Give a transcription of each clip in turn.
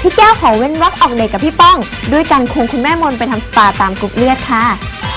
พี่แก้วขอเว้นวรรคออกเดทกับพี่ป้องด้วยการควงคุณแม่มนไปทำสปาตามกรุ๊ปเลือดค่ะ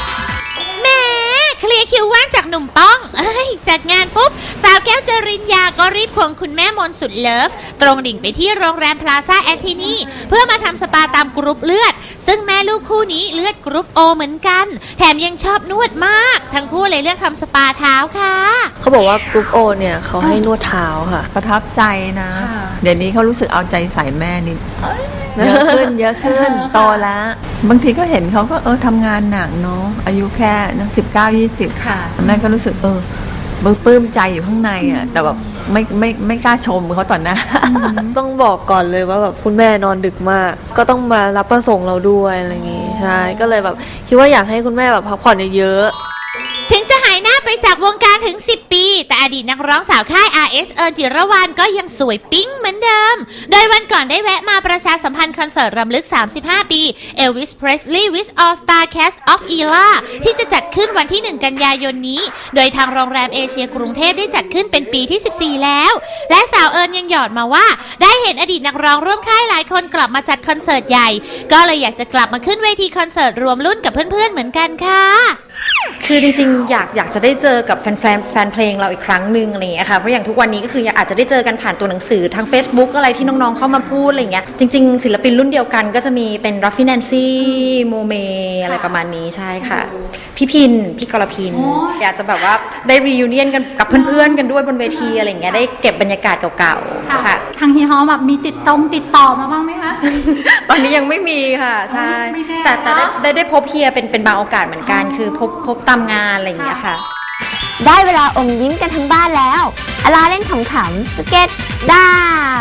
เคลียร์คิวว่างจากหนุ่มป้องจากงานปุ๊บสาวแก้วจริญญาก็รีบควงคุณแม่มนสุดเลิฟตรงดิ่งไปที่โรงแรมพลาซ่าแอนทินีเพื่อมาทำสปาตามกรุ๊ปเลือดซึ่งแม่ลูกคู่นี้เลือดกรุ๊ปโอเหมือนกันแถมยังชอบนวดมากทั้งคู่เลยเลือกทำสปาเท้าค่ะเขาบอกว่ากรุ๊ปโอเนี่ยเขาให้นวดเท้าค่ะประทับใจนะเดี๋ยวนี้เขารู้สึกเอาใจใส่แม่นี่เยอะขึ้นโตแล้วบางทีก็เห็นเขาก็ทำงานหนักเนาะอายุแค่19-20ค่ะแม่ก็รู้สึกปลื้มใจอยู่ข้างในอ่ะแต่แบบไม่กล้าชมเขาต่อหน้าต้องบอกก่อนเลยว่าแบบคุณแม่นอนดึกมากก็ต้องมารับประส่งเราด้วยอะไรอย่างงี้ใช่ก็เลยแบบคิดว่าอยากให้คุณแม่แบบพักผ่อนเยอะถึงจะหายหน้าไปจากวงการถึง10 ปีแต่อดีตนักร้องสาวค่าย RS เอิญจิรวรรณก็ยังสวยปิ๊งเหมือนเดิมโดยวันก่อนได้แวะมาประชาสัมพันธ์คอนเสิร์ตรำลึก35 ปี Elvis Presley with All Star Cast of Era ที่จะจัดขึ้นวันที่ 1 กันยายนนี้โดยทางโรงแรมเอเชียกรุงเทพได้จัดขึ้นเป็นปีที่ 14 แล้วและสาวเอิญยังหยอดมาว่าได้เห็นอดีตนักร้องร่วมค่ายหลายคนกลับมาจัดคอนเสิร์ตใหญ่ก็เลยอยากจะกลับมาขึ้นเวทีคอนเสิร์ตรวมรุ่นกับเพื่อนๆเหมือนกันค่ะคือจริงๆอยากจะได้เจอกับแฟนเพลงเราอีกครั้งหนึ่งอะไรอย่างเงี้ยค่ะเพราะอย่างทุกวันนี้ก็คืออาจจะได้เจอกันผ่านตัวหนังสือทาง Facebook อะไรที่น้องๆเข้ามาพูดอะไรอย่างเงี้ยจริงๆศิลปินรุ่นเดียวกันก็จะมีเป็นรัฟฟี่แนนซี่โมเมอะไรประมาณนี้ใช่ค่ะพี่พินพี่กรพินอยากจะแบบว่าได้รีวิวเนียนกันกับเพื่อนๆกันด้วยบนเวทีอะไรอย่างเงี้ยได้เก็บบรรยากาศเก่าๆค่ะทางฮีฮอแบบมีติดต่อมาบ้างไหมคะตอนนี้ยังไม่มีค่ะใช่แต่ได้พบเฮียเป็นบางโอกาสเหมือนกันคือพบตามงานอะไรอย่างเงี้ยค่ะได้เวลาอมยิ้มกันทั้งบ้านแล้วอลาเล่นขำๆสเก็ตดาว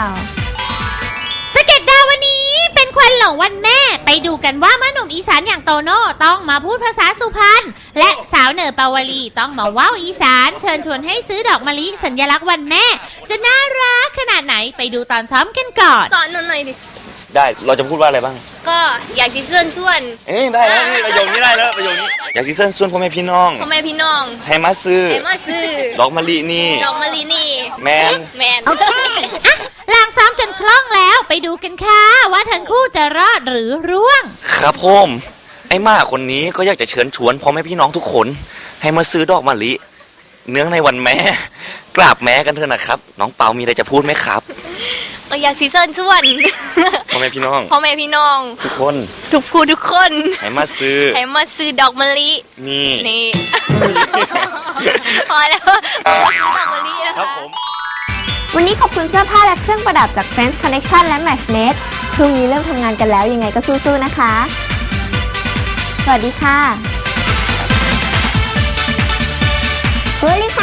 วันนี้เป็นควันหลงวันแม่ไปดูกันว่าเมื่อหนุ่มอีสานอย่างโตโน่ต้องมาพูดภาษาสุพรรณและสาวเหนือปาวลีต้องมาว้าวอีสานเชิญชวนให้ซื้อดอกมะลิสัญลักษณ์วันแม่จะน่ารักขนาดไหนไปดูตอนซ้อมกันก่อนสอนหน่อยดิได้เราจะพูดว่าอะไรบ้างก็อยากซีเซินส่วนได้แล้วนี่ประโยคนี้ได้แล้วประโยคนี้อยากซีเซินส่วนพ่อแม่พี่น้องให้มาซื้อดอกมะลินี่แมนลางซ้อมจนคล่องแล้วไปดูกันค่ะว่าทั้งคู่จะรอดหรือร่วงครับผมไอ้ม่าคนนี้ก็อยากจะเชิญชวนพ่อแม่พี่น้องทุกคนให้มาซื้อดอกมะลิเนื่องในวันแม่กราบแม่กันเถอะนะครับน้องเปามีอะไรจะพูดไหมครับก็อยากซีเซินส่วนพ่อแม่พี่น้องทุกคนทุกคนให้มาซื้อดอกมะลินี่พอแล้วดอกมะลินะคะวันนี้ขอบคุณเสื้อผ้าและเครื่องประดับจาก Friends Connection และ Matchnet พรุ่งนี้เริ่มทำงานกันแล้วยังไงก็สู้ๆนะคะสวัสดีค่ะ